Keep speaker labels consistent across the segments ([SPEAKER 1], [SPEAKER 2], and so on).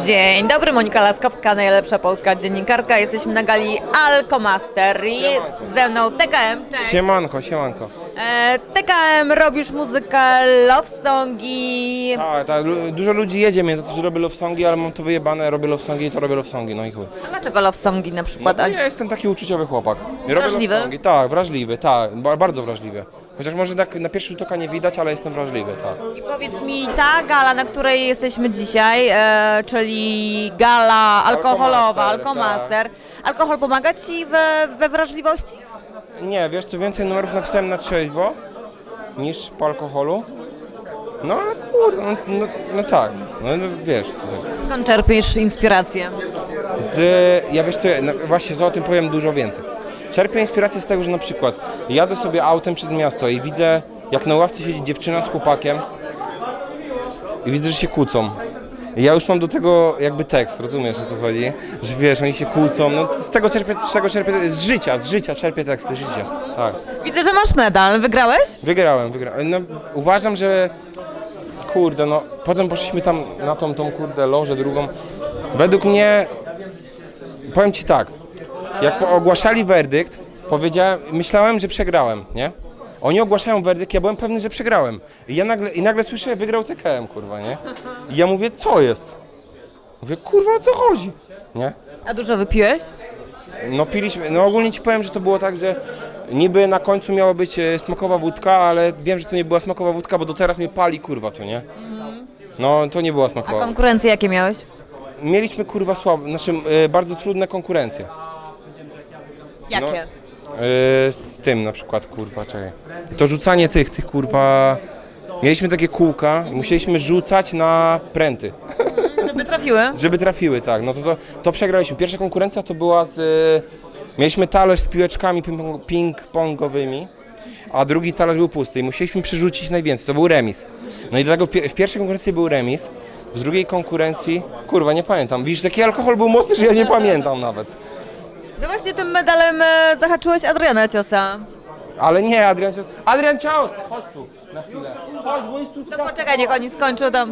[SPEAKER 1] Dzień dobry, Monika Laskowska, najlepsza polska dziennikarka. Jesteśmy na gali Alkomaster. Jest ze mną TKM. Cześć.
[SPEAKER 2] Siemanko, siemanko.
[SPEAKER 1] TKM, robisz muzykę, love songi.
[SPEAKER 2] Tak, dużo ludzi jedzie mnie za to, że robię love songi, ale mam to wyjebane, robię love songi, to robię love songi, no i chuj.
[SPEAKER 1] A dlaczego love songi na
[SPEAKER 2] No
[SPEAKER 1] przykład?
[SPEAKER 2] bo ja jestem taki uczuciowy chłopak. Ja robię
[SPEAKER 1] Wrażliwy?
[SPEAKER 2] love songi, tak, wrażliwy, tak, bardzo wrażliwy. Chociaż może tak na pierwszy rzut oka nie widać, ale jestem wrażliwy, tak.
[SPEAKER 1] I powiedz mi, ta gala, na której jesteśmy dzisiaj, czyli gala alkoholowa, Alkomaster. Alkohol pomaga Ci we wrażliwości?
[SPEAKER 2] Nie, wiesz co, więcej numerów napisałem na trzeźwo niż po alkoholu. No ale kurde, no tak, no wiesz.
[SPEAKER 1] Skąd czerpiesz inspirację?
[SPEAKER 2] Ja wiesz co, no, właśnie to o tym powiem dużo więcej. Czerpię inspirację z tego, że na przykład jadę sobie autem przez miasto i widzę, jak na ławce siedzi dziewczyna z chłopakiem i widzę, że się kłócą. I ja już mam do tego jakby tekst, rozumiesz, o co chodzi? Że wiesz, oni się kłócą, no z tego czerpię, z życia czerpię teksty, życia, tak.
[SPEAKER 1] Widzę, że masz medal. Wygrałeś?
[SPEAKER 2] Wygrałem. No uważam, że kurde, no potem poszliśmy tam na tą kurde lożę drugą. Według mnie, powiem ci tak, jak ogłaszali werdykt, myślałem, że przegrałem, nie? Oni ogłaszają werdykt, ja byłem pewny, że przegrałem. I nagle słyszę, wygrał TKM, kurwa, nie? I ja mówię, co jest? Mówię, kurwa, o co chodzi? Nie?
[SPEAKER 1] A dużo wypiłeś?
[SPEAKER 2] No piliśmy, no ogólnie ci powiem, że to było tak, że niby na końcu miała być smakowa wódka, ale wiem, że to nie była smakowa wódka, bo do teraz mnie pali, kurwa, to nie? No to nie była
[SPEAKER 1] A
[SPEAKER 2] smakowa.
[SPEAKER 1] konkurencje jakie miałeś?
[SPEAKER 2] Mieliśmy, kurwa, bardzo trudne konkurencje.
[SPEAKER 1] Jakie?
[SPEAKER 2] Z tym na przykład, kurwa, czekaj. To rzucanie tych kurwa... Mieliśmy takie kółka i musieliśmy rzucać na pręty,
[SPEAKER 1] Żeby trafiły?
[SPEAKER 2] żeby trafiły, tak. No to przegraliśmy. Pierwsza konkurencja to była mieliśmy talerz z piłeczkami ping-pongowymi, a drugi talerz był pusty i musieliśmy przerzucić najwięcej. To był remis. No i dlatego w pierwszej konkurencji był remis, w drugiej konkurencji... Kurwa, nie pamiętam. Widzisz, taki alkohol był mocny, że ja nie pamiętam nawet.
[SPEAKER 1] No właśnie tym medalem zahaczyłeś Adriana Ciosa.
[SPEAKER 2] Ale nie, Adrian Cios! Chodź tu, na chwilę. Chodź, bo jest tu...
[SPEAKER 1] To poczekaj, niech oni skończą tam.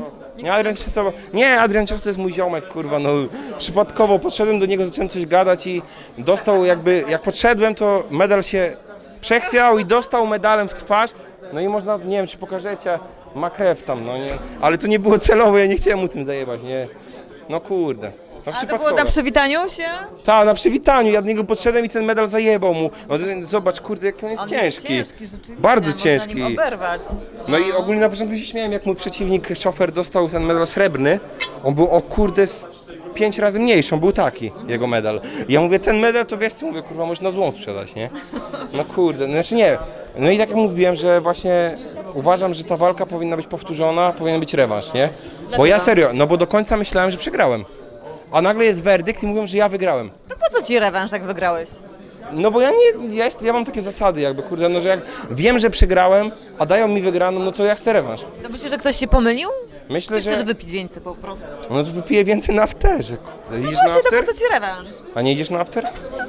[SPEAKER 2] Nie, Adrian Cios to jest mój ziomek, kurwa, no przypadkowo podszedłem do niego, zacząłem coś gadać i dostał jakby, jak podszedłem, to medal się przechwiał i dostał medalem w twarz, no i można, nie wiem, czy pokażecie, ma krew tam, no nie, ale to nie było celowo, ja nie chciałem mu tym zajebać, nie, no kurde. No
[SPEAKER 1] A to było na przywitaniu się?
[SPEAKER 2] Tak, na przywitaniu, ja do niego podszedłem i ten medal zajebał mu. No, zobacz, kurde, jak on jest ciężki.
[SPEAKER 1] Jest ciężki rzeczywiście.
[SPEAKER 2] Bardzo
[SPEAKER 1] Można
[SPEAKER 2] ciężki.
[SPEAKER 1] nim oberwać.
[SPEAKER 2] No i ogólnie na początku się śmiałem, jak mój przeciwnik, szofer, dostał ten medal srebrny. On był o kurde 5 razy mniejszy, on był taki, jego medal. I ja mówię, ten medal to wiesz co, mówię, kurwa, możesz na złom sprzedać, nie? No kurde, znaczy nie. No i tak jak mówiłem, że właśnie uważam, że ta walka powinna być powtórzona, powinien być rewanż, nie? Bo ja serio, no bo do końca myślałem, że przegrałem. A nagle jest werdykt i mówią, że ja wygrałem.
[SPEAKER 1] To po co ci rewanż, jak wygrałeś?
[SPEAKER 2] No bo ja mam takie zasady jakby, kurde, no że jak wiem, że przegrałem, a dają mi wygraną, no to ja chcę rewanż.
[SPEAKER 1] To myślisz, że ktoś się pomylił?
[SPEAKER 2] Myślę,
[SPEAKER 1] Czy
[SPEAKER 2] że...
[SPEAKER 1] chcesz wypić więcej po prostu?
[SPEAKER 2] No to wypiję więcej na afterze, kurde. Idziesz na
[SPEAKER 1] Właśnie, to
[SPEAKER 2] after?
[SPEAKER 1] po co ci rewanż?
[SPEAKER 2] A nie idziesz na after?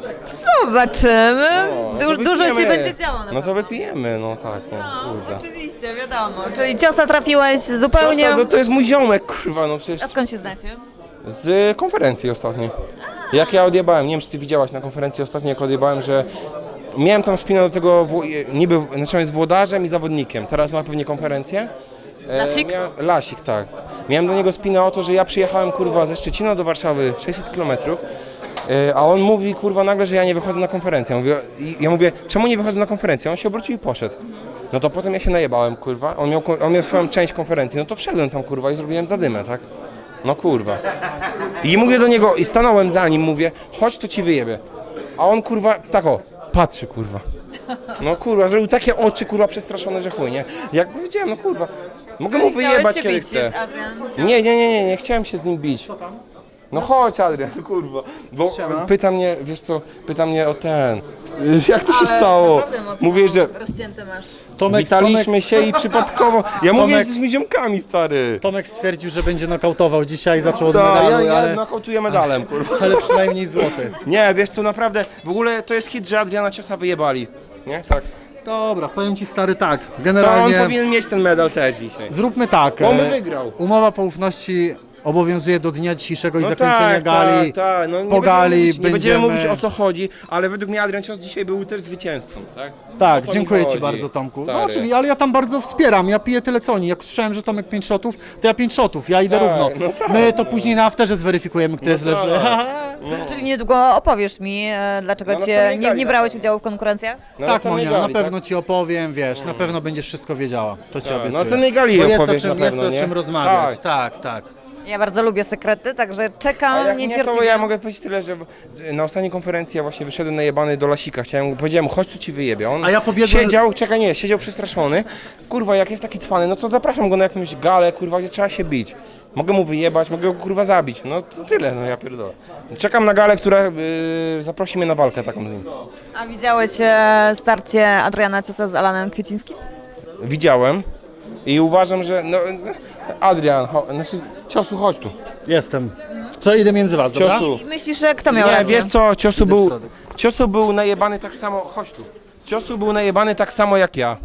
[SPEAKER 1] Zobaczymy.
[SPEAKER 2] No to
[SPEAKER 1] Dużo się
[SPEAKER 2] wypijemy.
[SPEAKER 1] będzie działo na
[SPEAKER 2] No to
[SPEAKER 1] pewno.
[SPEAKER 2] wypijemy, no tak, no kurde.
[SPEAKER 1] Oczywiście, wiadomo. Czyli Ciosa trafiłeś zupełnie...
[SPEAKER 2] Ciosa, no to jest mój ziomek, kurwa, no przecież
[SPEAKER 1] A skąd się znacie?
[SPEAKER 2] z konferencji ostatniej. Jak ja odjebałem, nie wiem czy ty widziałaś na konferencji ostatniej, jak odjebałem, że miałem tam spinę do tego, niby, znaczy on jest włodarzem i zawodnikiem, teraz ma pewnie konferencję.
[SPEAKER 1] Lasik?
[SPEAKER 2] Lasik, tak. Miałem do niego spinę o to, że ja przyjechałem, kurwa, ze Szczecina do Warszawy 600 km, a on mówi, kurwa, nagle, że ja nie wychodzę na konferencję. Ja mówię, czemu nie wychodzę na konferencję? On się obrócił i poszedł. No to potem ja się najebałem, kurwa, on miał swoją część konferencji, no to wszedłem tam, kurwa, i zrobiłem zadymę, tak? No kurwa. I mówię do niego, i stanąłem za nim, mówię, chodź, to ci wyjebie. A on, kurwa, tak o, patrzy, kurwa. No kurwa, zrobił takie oczy, kurwa, przestraszone, że chuj, nie? Jak powiedziałem, no kurwa, mogę mu wyjebać, kiedy chcę. Nie chciałem się z nim bić. No chodź, Adrian, kurwa, bo pyta mnie, wiesz co, pyta mnie o ten, jak to się stało? Mówię, że
[SPEAKER 1] rozcięte masz.
[SPEAKER 2] witaliśmy się i przypadkowo, ja mówię, że jesteśmy ziomkami, stary.
[SPEAKER 3] Tomek stwierdził, że będzie nokautował dzisiaj, zaczął od
[SPEAKER 2] Tak,
[SPEAKER 3] medalu,
[SPEAKER 2] ja
[SPEAKER 3] ale,
[SPEAKER 2] nokautuję medalem, kurwa.
[SPEAKER 3] ale przynajmniej złoty.
[SPEAKER 2] Nie, wiesz co, naprawdę, w ogóle to jest hit, że Adriana Ciosa wyjebali, nie? Tak.
[SPEAKER 3] Dobra, powiem ci stary tak,
[SPEAKER 2] To on
[SPEAKER 3] generalnie
[SPEAKER 2] powinien mieć ten medal też dzisiaj.
[SPEAKER 3] zróbmy tak,
[SPEAKER 2] On by wygrał.
[SPEAKER 3] umowa poufności obowiązuje do dnia dzisiejszego i
[SPEAKER 2] No
[SPEAKER 3] zakończenia
[SPEAKER 2] tak,
[SPEAKER 3] gali.
[SPEAKER 2] tak. No,
[SPEAKER 3] po gali
[SPEAKER 2] nie będziemy mówić o co chodzi, ale według mnie Adrian Cios dzisiaj był też zwycięzcą, tak?
[SPEAKER 3] Tak,
[SPEAKER 2] O to mi
[SPEAKER 3] dziękuję Ci
[SPEAKER 2] chodzi,
[SPEAKER 3] bardzo, Tomku. No
[SPEAKER 2] stary.
[SPEAKER 3] oczywiście, ale ja tam bardzo wspieram, ja piję tyle co oni. Jak słyszałem, że Tomek 5 shotów, to ja 5 shotów, ja idę
[SPEAKER 2] Tak,
[SPEAKER 3] równo.
[SPEAKER 2] no tak,
[SPEAKER 3] My to później na afterze zweryfikujemy, kto jest lepszy.
[SPEAKER 1] Czyli niedługo opowiesz mi, dlaczego
[SPEAKER 2] Na następnej gali
[SPEAKER 1] nie brałeś udziału w konkurencjach?
[SPEAKER 2] Na
[SPEAKER 3] Tak,
[SPEAKER 2] następnej
[SPEAKER 3] Monia, na
[SPEAKER 2] gali,
[SPEAKER 3] pewno Ci opowiem, wiesz, na pewno będziesz wszystko wiedziała. To Ci
[SPEAKER 2] Tak,
[SPEAKER 3] obiecuję.
[SPEAKER 2] na następnej gali
[SPEAKER 3] Bo jest
[SPEAKER 2] opowiesz
[SPEAKER 3] o czym,
[SPEAKER 2] na pewno,
[SPEAKER 3] jest o
[SPEAKER 2] nie?
[SPEAKER 3] czym rozmawiać, tak.
[SPEAKER 1] Ja bardzo lubię sekrety, także
[SPEAKER 2] A
[SPEAKER 1] czekam
[SPEAKER 2] jak nie, to
[SPEAKER 1] niecierpliwie.
[SPEAKER 2] ja mogę powiedzieć tyle, że na ostatniej konferencji ja właśnie wyszedłem najebany do Lasika, powiedziałem, chodź tu ci wyjebie, on
[SPEAKER 3] A ja pobiegłem-
[SPEAKER 2] siedział przestraszony, kurwa, jak jest taki twany, no to zapraszam go na jakąś galę, kurwa, gdzie trzeba się bić. Mogę mu wyjebać, mogę go kurwa zabić, no to tyle, no ja pierdolę. Czekam na galę, która zaprosi mnie na walkę taką z nim.
[SPEAKER 1] A widziałeś starcie Adriana Ciosa z Alanem Kwiecińskim?
[SPEAKER 2] Widziałem i uważam, że, no, Adrian, znaczy, Ciosu, chodź tu.
[SPEAKER 3] Jestem. To idę między was, dobra?
[SPEAKER 2] Ciosu.
[SPEAKER 1] I myślisz, że kto miał
[SPEAKER 2] Nie,
[SPEAKER 1] rację?
[SPEAKER 2] wiesz co,
[SPEAKER 3] w środek.
[SPEAKER 2] Ciosu był najebany tak samo, chodź tu. Ciosu był najebany tak samo jak ja.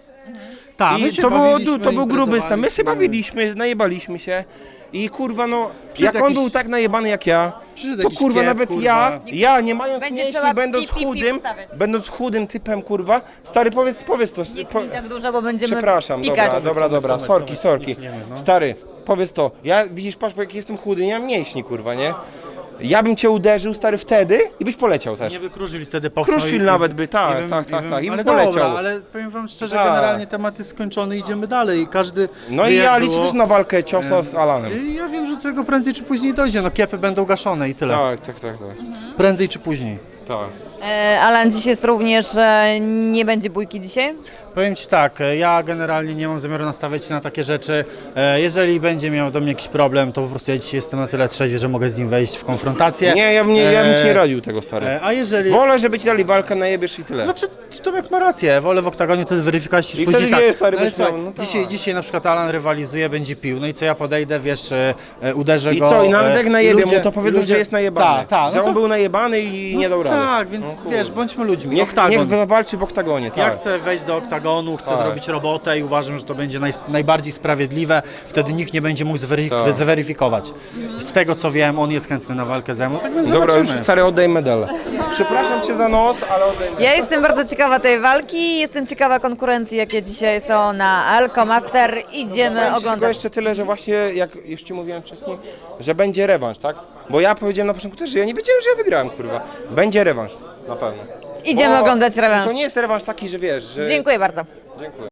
[SPEAKER 3] Tak, my
[SPEAKER 2] I
[SPEAKER 3] się
[SPEAKER 2] to
[SPEAKER 3] bawiliśmy,
[SPEAKER 2] był gruby stan. My się
[SPEAKER 3] imprezowaliśmy.
[SPEAKER 2] bawiliśmy, najebaliśmy się. I kurwa no,
[SPEAKER 3] Przyszedł
[SPEAKER 2] jak on
[SPEAKER 3] jakiś-
[SPEAKER 2] był tak najebany jak ja,
[SPEAKER 3] Przyszedł
[SPEAKER 2] to
[SPEAKER 3] jakiś
[SPEAKER 2] kurwa
[SPEAKER 3] kiep,
[SPEAKER 2] nawet
[SPEAKER 3] kurwa.
[SPEAKER 2] ja nie mając
[SPEAKER 1] Będzie
[SPEAKER 2] mięśni,
[SPEAKER 1] trzeba
[SPEAKER 2] będąc
[SPEAKER 1] pip, pip, pip
[SPEAKER 2] chudym,
[SPEAKER 1] wstawiać.
[SPEAKER 2] będąc chudym typem kurwa, stary powiedz to.
[SPEAKER 1] Nie kmij tak dużo, bo będziemy
[SPEAKER 2] Przepraszam,
[SPEAKER 1] pikać.
[SPEAKER 2] dobra, sorki. Stary, powiedz to. Ja widzisz, patrz, jak jestem chudy, nie mam mięśni kurwa, nie? Ja bym cię uderzył, stary, wtedy i byś poleciał też.
[SPEAKER 3] Nie by Kruszwil wtedy popchnął.
[SPEAKER 2] Kruszwil nawet by, tak. I
[SPEAKER 3] ale
[SPEAKER 2] bym poleciał.
[SPEAKER 3] dobra, ale powiem wam szczerze,
[SPEAKER 2] Tak.
[SPEAKER 3] generalnie temat jest skończony, idziemy dalej i każdy
[SPEAKER 2] No
[SPEAKER 3] wie,
[SPEAKER 2] i ja
[SPEAKER 3] jak
[SPEAKER 2] liczę
[SPEAKER 3] było.
[SPEAKER 2] też na walkę Ciosa z Alanem.
[SPEAKER 3] I ja wiem, że do tego prędzej czy później dojdzie, no kiepy będą gaszone i tyle.
[SPEAKER 2] Tak.
[SPEAKER 3] Prędzej czy później.
[SPEAKER 2] Tak.
[SPEAKER 1] Alan dziś jest również, nie będzie bójki dzisiaj?
[SPEAKER 3] Powiem Ci tak, ja generalnie nie mam zamiaru nastawiać się na takie rzeczy. Jeżeli będzie miał do mnie jakiś problem, to po prostu ja dzisiaj jestem na tyle trzeźwy, że mogę z nim wejść w konfrontację.
[SPEAKER 2] Nie, ja bym ci nie radził tego, stary.
[SPEAKER 3] A jeżeli...
[SPEAKER 2] Wolę, żeby ci dali walkę, najebiesz i tyle.
[SPEAKER 3] Znaczy, Tomek ma rację, wolę w oktagonie to zweryfikować niż
[SPEAKER 2] I
[SPEAKER 3] później
[SPEAKER 2] wtedy
[SPEAKER 3] tak.
[SPEAKER 2] wie, stary,
[SPEAKER 3] Ale
[SPEAKER 2] byś
[SPEAKER 3] słuchaj,
[SPEAKER 2] miał, no tak.
[SPEAKER 3] dzisiaj na przykład Alan rywalizuje, będzie pił, no i co ja podejdę, wiesz, uderzę
[SPEAKER 2] I
[SPEAKER 3] go.
[SPEAKER 2] co, i nawet jak najebie
[SPEAKER 3] ludzie-
[SPEAKER 2] mu, to powiedzą,
[SPEAKER 3] ludzie-
[SPEAKER 2] że jest najebany.
[SPEAKER 3] Tak,
[SPEAKER 2] że
[SPEAKER 3] no
[SPEAKER 2] on
[SPEAKER 3] to-
[SPEAKER 2] był najebany i nie dał rady.
[SPEAKER 3] Tak, więc wiesz, bądźmy ludźmi.
[SPEAKER 2] Niech
[SPEAKER 3] Oktagon.
[SPEAKER 2] walczy w oktagonie,
[SPEAKER 3] Ja
[SPEAKER 2] tak.
[SPEAKER 3] chcę wejść do oktagonu, chcę
[SPEAKER 2] Tak.
[SPEAKER 3] zrobić robotę i uważam, że to będzie najbardziej sprawiedliwe. Wtedy nikt nie będzie mógł
[SPEAKER 2] Tak.
[SPEAKER 3] zweryfikować. Z tego co wiem, on jest chętny na walkę ze mną, tak więc
[SPEAKER 2] Dobra, już
[SPEAKER 3] zobaczymy.
[SPEAKER 2] stary, oddaj medal. Przepraszam cię za nos, ale oddaj medal.
[SPEAKER 1] Ja jestem bardzo ciekawa tej walki, jestem ciekawa konkurencji, jakie dzisiaj są na Alko Master. Idziemy
[SPEAKER 2] Powiem ci tylko
[SPEAKER 1] oglądać.
[SPEAKER 2] jeszcze tyle, że właśnie, jak już ci mówiłem wcześniej, że będzie rewanż, tak? Bo ja powiedziałem na początku też, że ja nie wiedziałem, że ja wygrałem, kurwa. Będzie rewanż, na pewno.
[SPEAKER 1] Idziemy oglądać rewanż.
[SPEAKER 2] To nie jest rewanż taki, że wiesz, że...
[SPEAKER 1] Dziękuję bardzo.
[SPEAKER 2] Dziękuję.